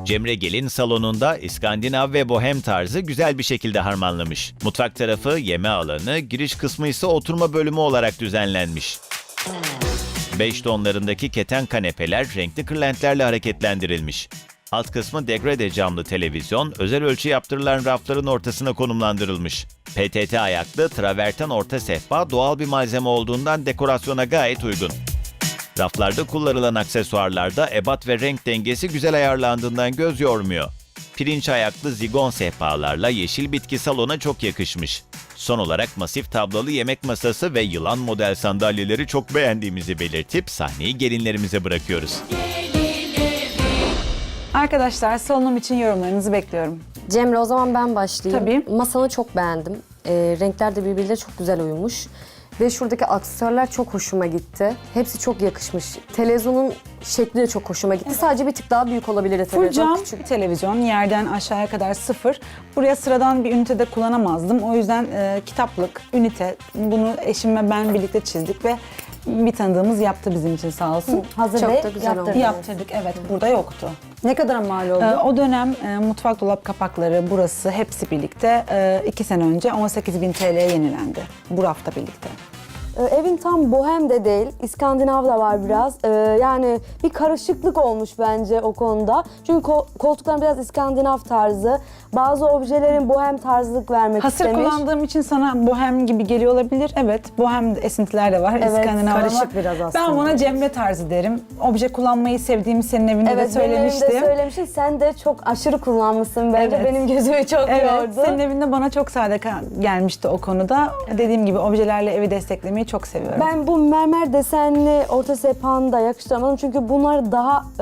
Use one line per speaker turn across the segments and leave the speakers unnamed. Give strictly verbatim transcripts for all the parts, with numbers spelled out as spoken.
Cemre gelin salonunda İskandinav ve bohem tarzı güzel bir şekilde harmanlamış. Mutfak tarafı yeme alanı, giriş kısmı ise oturma bölümü olarak düzenlenmiş. Beş tonlarındaki keten kanepeler renkli kırlentlerle hareketlendirilmiş. Alt kısmı degrade camlı televizyon, özel ölçü yaptırılan rafların ortasına konumlandırılmış. P T T ayaklı traverten orta sehpa doğal bir malzeme olduğundan dekorasyona gayet uygun. Raflarda kullanılan aksesuarlarda ebat ve renk dengesi güzel ayarlandığından göz yormuyor. Pirinç ayaklı zigon sehpalarla yeşil bitki salona çok yakışmış. Son olarak masif tablalı yemek masası ve yılan model sandalyeleri çok beğendiğimizi belirtip sahneyi gelinlerimize bırakıyoruz.
Arkadaşlar salonum için yorumlarınızı bekliyorum.
Cemre, o zaman ben başlayayım.
Tabii.
Masanı çok beğendim. Ee, renkler de birbiriyle çok güzel uyumuş. Ve şuradaki aksesuarlar çok hoşuma gitti. Hepsi çok yakışmış. Televizyonun şekli de çok hoşuma gitti. Sadece bir tık daha büyük olabilirdi
Full
televizyon.
cam
Küçük.
televizyon, yerden aşağıya kadar sıfır. Buraya sıradan bir ünitede kullanamazdım. O yüzden e, kitaplık, ünite, bunu eşim ve ben birlikte çizdik ve bir tanıdığımız yaptı bizim için sağ olsun.
Hazır
Çok
Bey
da güzel
yaptırdı.
oldu.
Yaptırdık, evet. Burada yoktu.
Ne kadar mal oldu?
Ee, o dönem e, mutfak dolap kapakları, burası hepsi birlikte e, iki sene önce on sekiz bin T L'ye yenilendi. Bu rafta birlikte.
Ee, Evin tam bohem de değil, İskandinav da var biraz. Ee, yani bir karışıklık olmuş bence o konuda. Çünkü ko- koltukların biraz İskandinav tarzı. Bazı objelerin bohem tarzlık vermek
Hasır
istemiş.
kullandığım için sana bohem gibi geliyor olabilir. Evet, bohem esintiler de var.
Evet,
İskandinav
karışık
ama
biraz aslında.
ben buna Cemre tarzı derim. Obje kullanmayı sevdiğimi senin evinde de
Evet, benim
söylemiştim.
evimde söylemiştin. Sen de çok aşırı kullanmışsın bence.
Evet.
Benim gözümü çok
Evet,
yordu.
senin evinde bana çok sade ka- gelmişti o konuda. Dediğim gibi objelerle evi desteklemeyi çok seviyorum.
Ben bu mermer desenli orta sehpanı da yakıştıramadım. Çünkü bunlar daha e,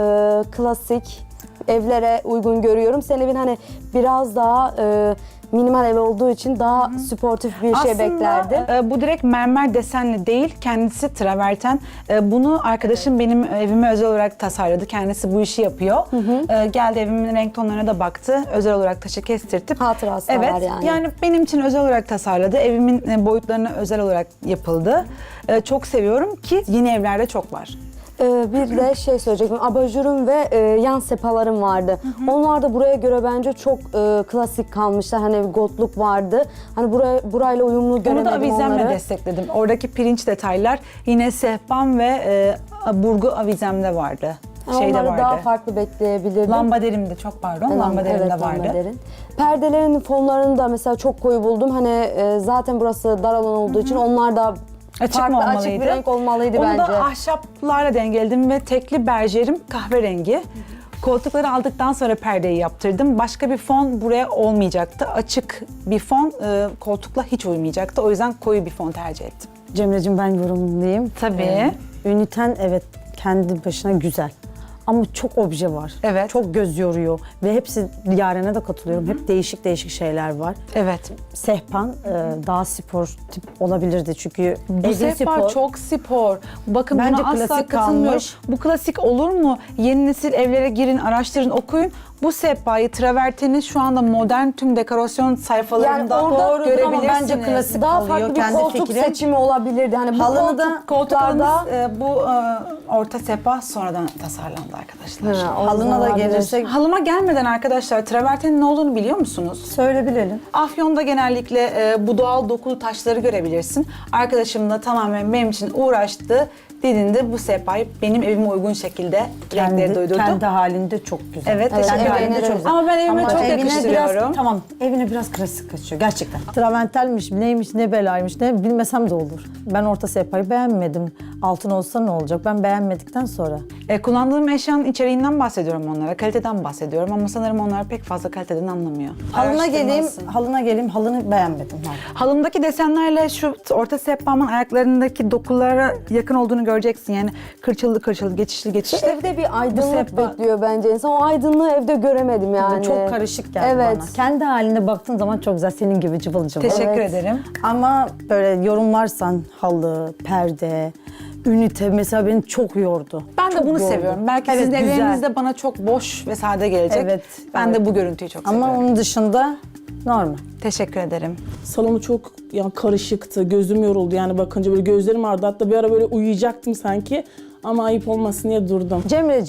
klasik evlere uygun görüyorum. Senin evin hani biraz daha e, minimal ev olduğu için daha sportif bir şey beklerdim.
Aslında e, bu direkt mermer desenli değil, kendisi traverten. E, bunu arkadaşım benim evime özel olarak tasarladı. Kendisi bu işi yapıyor. E, geldi evimin renk tonlarına da baktı. Özel olarak taşı kestirtip.
Hatırası da
evet,
var yani.
Yani benim için özel olarak tasarladı. Evimin e, boyutlarına özel olarak yapıldı. E, çok seviyorum ki yeni evlerde çok var.
Ee, bir de şey söyleyecektim. Abajurum ve e, yan sepalarım vardı. Onlar da buraya göre bence çok e, klasik kalmışlar. Hani gotluk vardı. Hani buraya burayla uyumlu
Onu
göremedim
da avizemle
onları.
destekledim. Oradaki pirinç detaylar yine sehpam ve e, burgu avizemde vardı.
Yani
Şeyde
onları
vardı.
daha farklı bekleyebilirdim.
Lambaderim de çok pardon.
Evet,
Lambaderim
evet,
de vardı.
lambaderin. Perdelerin fonlarını da mesela çok koyu buldum. Hani e, zaten burası dar alan olduğu için onlar da
Açık
farklı
mı
açık
olmalıydı?
bir renk olmalıydı
Onu
bence.
da ahşaplarla dengeledim ve tekli berjerim kahverengi. Koltukları aldıktan sonra perdeyi yaptırdım. Başka bir fon buraya olmayacaktı. Açık bir fon e, koltukla hiç uymayacaktı. O yüzden koyu bir fon tercih ettim.
Cemre'cim ben yorumlayayım.
Tabii.
Ee, üniten evet kendi başına güzel. Ama çok obje var.
Evet.
Çok göz yoruyor. Ve hepsi Yaren'e de katılıyorum. Hep değişik değişik şeyler var.
Evet.
Sehpan e, daha spor tip olabilirdi çünkü
Bu
evin
sehpa
spor.
çok spor. Bakın
Bence
buna asla
klasik
katılmıyorum.
kalmış.
Bu klasik olur mu? Yeni nesil evlere girin, araştırın, okuyun. Bu sehpayı, traverteni şu anda modern tüm dekorasyon sayfalarında
Yani orada
görebilirsiniz.
ama bence klasik
Daha
kalıyor,
farklı bir
kendi
koltuk
fikrim.
seçimi olabilirdi. Hani bu
Halını
koltuk,
da-
Koltuklarımız e, bu e, orta sehpa sonradan tasarlandı arkadaşlar.
Ha, o
Halına da
zaman
gelirsek
Halıma gelmeden arkadaşlar travertenin ne olduğunu biliyor musunuz?
söyle bilelim.
Afyon'da genellikle e, bu doğal dokulu taşları görebilirsin. Arkadaşım da tamamen benim için uğraştı. Dediğinde bu sehpayı benim evime uygun şekilde renkleri
Kendi,
doydurdu.
kendi halinde çok güzel.
Evet,
Evet,
teşekkür
evet,
ederim.
evet.
çok güzel.
Ama ben evime
Ama
çok
evine
yakıştırıyorum.
Biraz, tamam, evine biraz klasik kaçıyor gerçekten. Traventelmiş, neymiş, ne belaymış, ne bilmesem de olur. Ben orta sehpayı beğenmedim. Altın olsa ne olacak? Ben beğenmedikten sonra.
E, kullandığım eşyanın içeriğinden bahsediyorum onlara, kaliteden bahsediyorum ama sanırım onlar pek fazla kaliteden anlamıyor.
Halına geleyim,
Araştırmalısın.
halına geleyim, halını beğenmedim.
Halımdaki desenlerle şu orta sehpamın ayaklarındaki dokulara yakın olduğunu göreceksin. Yani kırçıllı kırçıllı, geçişli geçişli.
Evde bir aydınlık
sehpa-
bekliyor bence insan. O aydınlığı evde göremedim yani.
Çok karışık geldi
Evet.
bana. Kendi haline baktığın zaman çok güzel, senin gibi cıvıl cıvıl.
Teşekkür
Evet.
ederim.
Ama böyle yorumlarsan halı, perde, ünite mesela beni çok yordu.
Ben de
Çok
bunu
yordu.
seviyorum. Belki
Evet,
sizin
güzel.
evlerinizde bana çok boş ve sade gelecek.
Evet,
Ben
evet.
de bu görüntüyü çok
Ama
seviyorum.
onun dışında normal.
Teşekkür ederim.
Salonu çok yani karışıktı, gözüm yoruldu yani bakınca böyle gözlerim ağrıdı. Hatta bir ara böyle uyuyacaktım sanki ama ayıp olmasın diye durdum.
Cemre'ciğim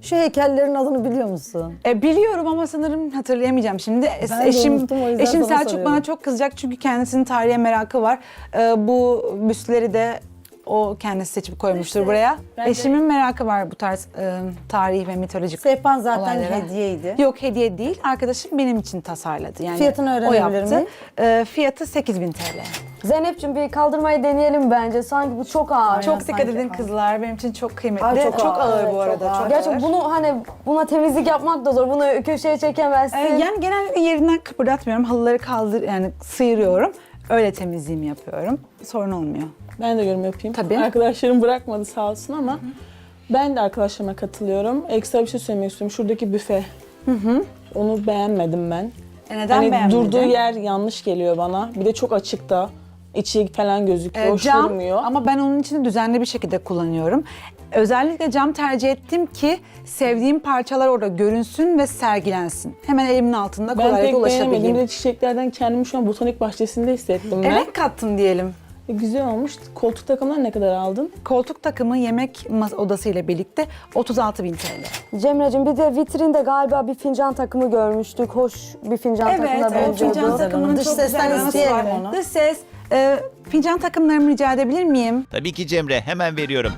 Şu heykellerin adını biliyor musun?
E, biliyorum ama sanırım hatırlayamayacağım şimdi. Es-
Ben de
eşim
unuttum, o yüzden
eşim
sana
Selçuk
soruyorum.
bana çok kızacak çünkü kendisinin tarihe merakı var. E, bu büstleri de o kendisi seçip koymuştur buraya.
ben de-
Eşimin merakı var bu tarz e, tarih ve mitolojik
Sehpan zaten
olaylara.
hediyeydi.
Yok hediye değil. Arkadaşım benim için tasarladı. Yani
Fiyatını
o
öğrenebilir
yaptı.
miyim?
E, fiyatı sekiz bin T L.
Zeynep'ciğim bir kaldırmayı deneyelim bence. Sanki bu çok ağır.
Çok dikkat
sanki
edin
ağır.
kızlar. Benim için çok kıymetli.
Ay,
çok,
çok
ağır,
ağır,
bu arada.
çok ağır.
Çok
Gerçi
ağır.
bunu hani buna temizlik yapmak da zor. Bunu köşeye çekemezsin.
E, yani genellikle yerinden kıpırdatmıyorum. Halıları kaldır yani sıyırıyorum. Öyle temizliğimi yapıyorum. Sorun olmuyor.
Ben de yorum yapayım.
Tabii.
Arkadaşlarım bırakmadı sağ olsun ama ben de arkadaşlarıma katılıyorum. Ekstra bir şey söylemek istiyorum. Şuradaki büfe. Onu beğenmedim ben.
E, neden
Hani
beğenmedin?
durduğu yer yanlış geliyor bana. Bir de çok açıkta. İçi falan gözüküyor.
Ee,
hoş
cam
durmuyor.
ama ben onun için düzenli bir şekilde kullanıyorum. Özellikle cam tercih ettim ki sevdiğim parçalar orada görünsün ve sergilensin. Hemen elimin altında
Ben
kolaylıkla
pek beğenemedim. Bir
ulaşabileyim.
de çiçeklerden kendimi şu an botanik bahçesinde hissettim ben.
Evet kattım diyelim.
E, güzel olmuş. Koltuk takımları ne kadar aldın?
Koltuk takımı yemek mas- odası ile birlikte otuz altı bin T L.
Cemre'cim bir de vitrinde galiba bir fincan takımı görmüştük. Hoş bir fincan
Evet,
takımına
evet
benziyordu.
fincan takımının
Dış
çok
sesten
güzel bir
isteyelim
anısı var.
onu.
Dış ses. E, fincan takımlarımı rica edebilir miyim?
Tabii ki Cemre, hemen veriyorum.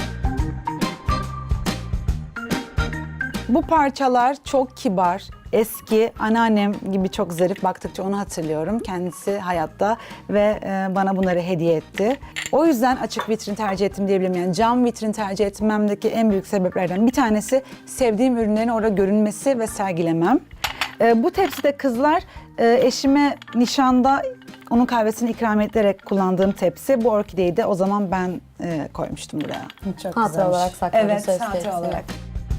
Bu parçalar çok kibar, eski, anneannem gibi çok zarif. Baktıkça onu hatırlıyorum. Kendisi hayatta ve e, bana bunları hediye etti. O yüzden açık vitrin tercih ettim diyebilirim. Yani cam vitrin tercih etmemdeki en büyük sebeplerden bir tanesi sevdiğim ürünlerin orada görünmesi ve sergilemem. E, bu tepside kızlar e, eşime nişanda onun kahvesini ikram ederek kullandığım tepsi. Bu orkideyi de o zaman ben e, koymuştum buraya.
Çok
Hatıra
güzelmiş.
olarak sakladım
Evet,
söz
hatıra
tepsini.
olarak.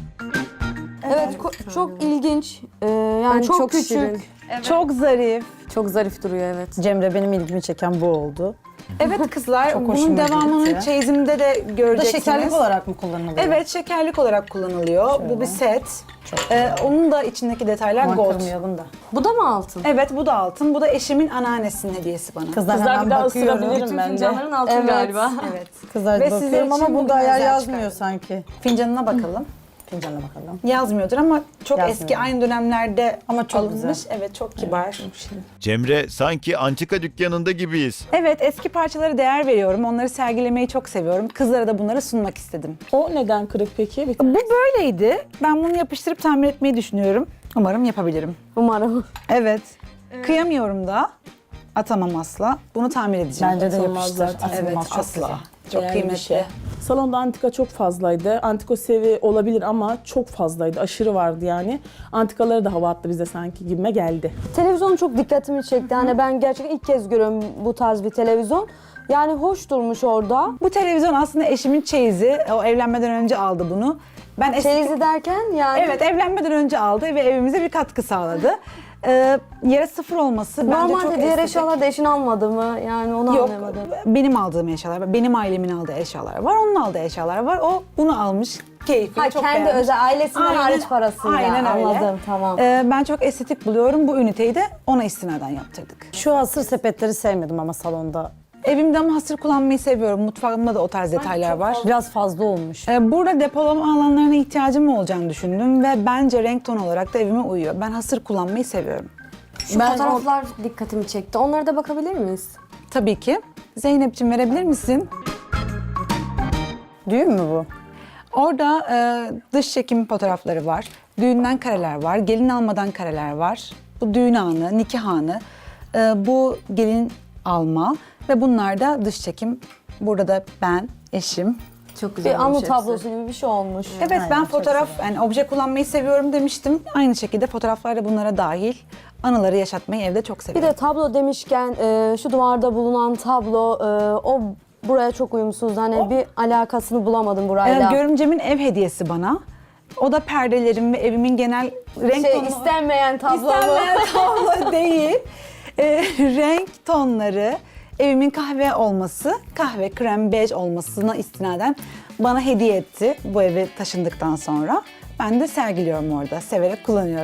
Evet, ko- çok ilginç. Ee, yani
Yani
çok,
çok
küçük.
şirin.
Çok zarif.
Çok zarif duruyor evet.
Cemre benim ilgimi çeken bu oldu.
Evet kızlar,
Çok
bunun
hoşuma
devamını
gitti.
çeyizimde de
Bu da
göreceksiniz.
şekerlik olarak mı kullanılıyor?
Evet, şekerlik olarak kullanılıyor. Bu bir set. Ee, onun da içindeki detaylar
Aman
gold.
kırmayalım da.
Bu da mı altın?
Evet, bu da altın. Bu da eşimin anneannesinin hediyesi bana.
Kızlar,
Kızlar
hemen
bir daha
bakıyorum.
ısırabilirim ben de.
Fincanların altın
Evet,
galiba.
evet.
Kızlar
Ve sizler
bakıyorum ama
için
bunda
bugün
ayar
özel
yazmıyor
çıkardım.
sanki.
Fincanına bakalım.
Fincana bakalım.
Yazmıyordur ama çok
Yazmıyor.
eski, aynı dönemlerde
Ama çok
alınmış.
güzel.
Evet, çok kibar.
Cemre, sanki antika dükkanında gibiyiz.
Evet, eski parçalara değer veriyorum. Onları sergilemeyi çok seviyorum. Kızlara da bunları sunmak istedim.
O neden kırık peki? Bir
Bu böyleydi. Ben bunu yapıştırıp tamir etmeyi düşünüyorum. Umarım yapabilirim.
Umarım.
Evet. Kıyamıyorum da. Atamam asla. Bunu tamir edeceğim.
Bence de
Atılmaz
yapıştır.
zaten.
Evet,
Atılmaz, çok
asla.
güzel.
Çok
Değerli bir
kıymetli.
şey. Salonda antika çok fazlaydı. Antiko sevi olabilir ama çok fazlaydı. Aşırı vardı yani. Antikaları da hava attı bize sanki gibime geldi.
Televizyon çok dikkatimi çekti. Hani ben gerçekten ilk kez görüyorum bu tarz bir televizyon. Yani hoş durmuş orada.
Bu televizyon aslında eşimin çeyizi. O evlenmeden önce aldı bunu. Ben eski...
Çeyizi derken yani
Evet, evlenmeden önce aldı ve evimize bir katkı sağladı. Ee, yere sıfır olması bence çok
normalde diğer
estetik.
eşyalar da eşin almadı mı? Yani onu
Yok,
anlamadım.
benim aldığım eşyalar var. Benim ailemin aldığı eşyalar var. Onun aldığı eşyalar var. O bunu almış. Keyifli,
Ha,
çok
kendi
beğenmiş.
özel ailesinden
Aynen-
hariç parasıyla.
Aynen öyle.
Anladım, tamam.
Ee, ben çok estetik buluyorum. Bu üniteyi de ona istinaden yaptırdık.
Şu hasır sepetleri sevmedim ama salonda.
Evimde ama hasır kullanmayı seviyorum. Mutfağımda da o tarz detaylar var.
Biraz fazla olmuş.
Ee, Burada depolama alanlarına ihtiyacım olacağını düşündüm ve bence renk ton olarak da evime uyuyor. Ben hasır kullanmayı seviyorum.
Şu
Ben-
fotoğraflar dikkatimi çekti. Onlara da bakabilir miyiz?
Tabii ki. Zeynep'ciğim verebilir misin?
Düğün mü bu?
Orada e, dış çekim fotoğrafları var. Düğünden kareler var. Gelin almadan kareler var. Bu düğün anı, nikah anı. E, bu gelin alma ve bunlar da dış çekim. Burada da ben, eşim.
Çok güzel
Bir anı
olmuş hepsi.
tablosu gibi bir şey olmuş.
Evet,
Aynen,
ben
çok
fotoğraf, yani obje kullanmayı seviyorum demiştim. Aynı şekilde fotoğraflar da bunlara dahil. Anıları yaşatmayı evde çok
Bir
seviyorum.
de tablo demişken e, şu duvarda bulunan tablo e, o buraya çok uyumsuz. Hani bir alakasını bulamadım
E,
burayla.
görümcemin ev hediyesi bana. O da perdelerim ve evimin genel renk
şey
tonu...
istenmeyen tablo mu?
İstenmeyen tablo değil. E, renk tonları, evimin kahve olması, kahve krem bej olmasına istinaden bana hediye etti bu eve taşındıktan sonra. Ben de sergiliyorum orada, severek kullanıyorum.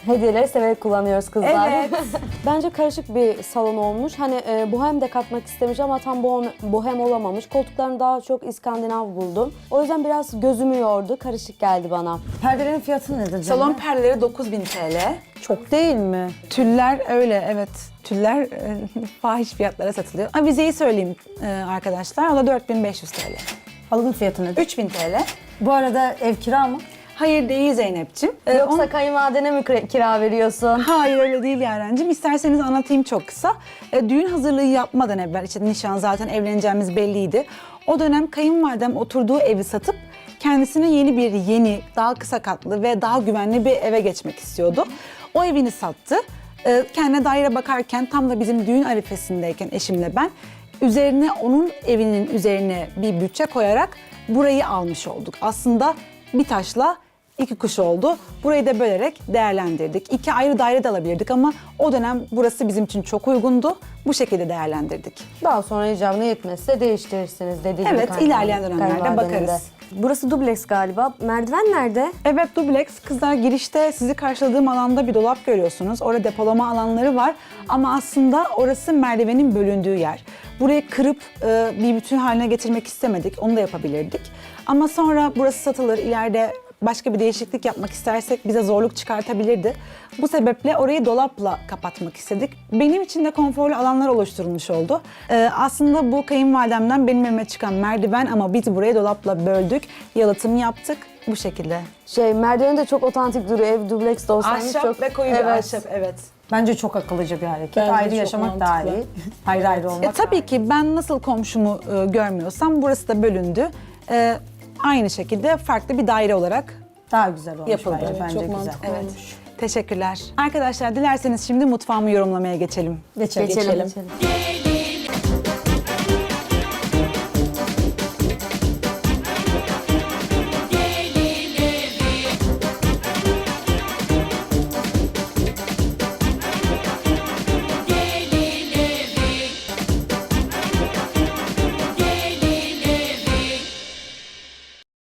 Hediyeleri severek kullanıyoruz kızlar.
Evet.
Bence karışık bir salon olmuş. Hani e, bohem de katmak istemiş ama tam bohem, bohem olamamış. Koltuklarını daha çok İskandinav buldum. O yüzden biraz gözümü yordu. Karışık geldi bana.
Perdelerin fiyatı nedir canım?
Salon perdeleri dokuz bin T L.
çok değil mi?
Tüller öyle, evet. Tüller e, fahiş fiyatlara satılıyor. Avizeyi söyleyeyim e, arkadaşlar. O da dört bin beş yüz T L.
Halının fiyatı nedir?
üç bin T L.
Bu arada ev kira mı?
Hayır değil Zeynep'ciğim. E,
Yoksa
on-
kayınvalidene mi kira- kira veriyorsun?
Hayır öyle değil Yarencim. İsterseniz anlatayım çok kısa. E, düğün hazırlığı yapmadan evvel, işte nişan zaten evleneceğimiz belliydi. O dönem kayınvalidem oturduğu evi satıp kendisine yeni bir, yeni, daha kısa katlı ve daha güvenli bir eve geçmek istiyordu. O evini sattı. E, kendine daire bakarken tam da bizim düğün arifesindeyken eşimle ben üzerine, onun evinin üzerine bir bütçe koyarak burayı almış olduk. Aslında bir taşla İki kuş oldu. Burayı da bölerek değerlendirdik. İki ayrı daire de alabilirdik ama o dönem burası bizim için çok uygundu. Bu şekilde değerlendirdik.
Daha sonra icabına yetmezse değiştirirsiniz dediği gibi.
Evet,
kayınvalide-
ilerleyen dönemlerde
kayınvalidenin de.
bakarız.
Burası dubleks galiba. Merdiven nerede?
Evet, dubleks. Kızlar, girişte sizi karşıladığım alanda bir dolap görüyorsunuz. Orada depolama alanları var ama aslında orası merdivenin bölündüğü yer. Burayı kırıp e, bir bütün haline getirmek istemedik. Onu da yapabilirdik. Ama sonra burası satılır. İleride başka bir değişiklik yapmak istersek bize zorluk çıkartabilirdi. Bu sebeple orayı dolapla kapatmak istedik. Benim için de konforlu alanlar oluşturulmuş oldu. Ee, aslında bu kayınvalidemden benim evime çıkan merdiven ama biz burayı dolapla böldük. Yalıtım yaptık bu şekilde.
Şey, merdiveni de çok otantik duruyor. Ev dubleks de olsaymış
Ahşap
çok...
ve koyu
evet.
bir ahşap, evet.
Bence çok akıllıca bir hareket.
Bence
ayrı
çok
yaşamak daha
mantıklı.
iyi. Ayrı ayrı olmak.
E, tabii ki ben nasıl komşumu e, görmüyorsam burası da bölündü. E, aynı şekilde farklı bir daire olarak
daha güzel olmuş
yapıldı.
bence.
Evet,
bence
çok
güzel.
mantıklı.
Evet. Teşekkürler. Arkadaşlar dilerseniz şimdi mutfağımı yorumlamaya geçelim.
Geçelim.
Geçelim.
Geçelim.
geçelim.